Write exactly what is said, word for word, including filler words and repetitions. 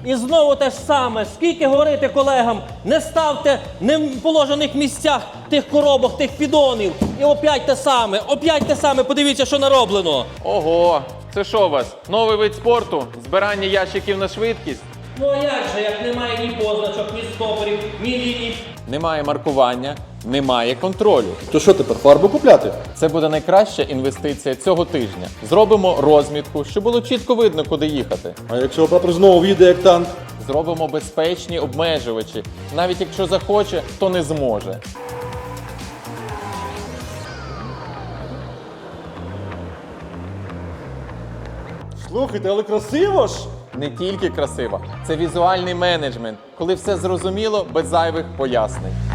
І знову те ж саме. Скільки говорити колегам, не ставте не в положених місцях тих коробок, тих піддонів. І опять те саме, опять те саме. Подивіться, що нароблено. Ого, це що у вас? Новий вид спорту? Збирання ящиків на швидкість? Ну а як же, як немає ні позначок, ні стопорів, ні ліній. Немає маркування, немає контролю. То що тепер, фарбу купляти? Це буде найкраща інвестиція цього тижня. Зробимо розмітку, щоб було чітко видно, куди їхати. А якщо оператор знову в'їде як танк? Зробимо безпечні обмежувачі. Навіть якщо захоче, то не зможе. Слухайте, але красиво ж! Не тільки красиво, це візуальний менеджмент, коли все зрозуміло без зайвих пояснень.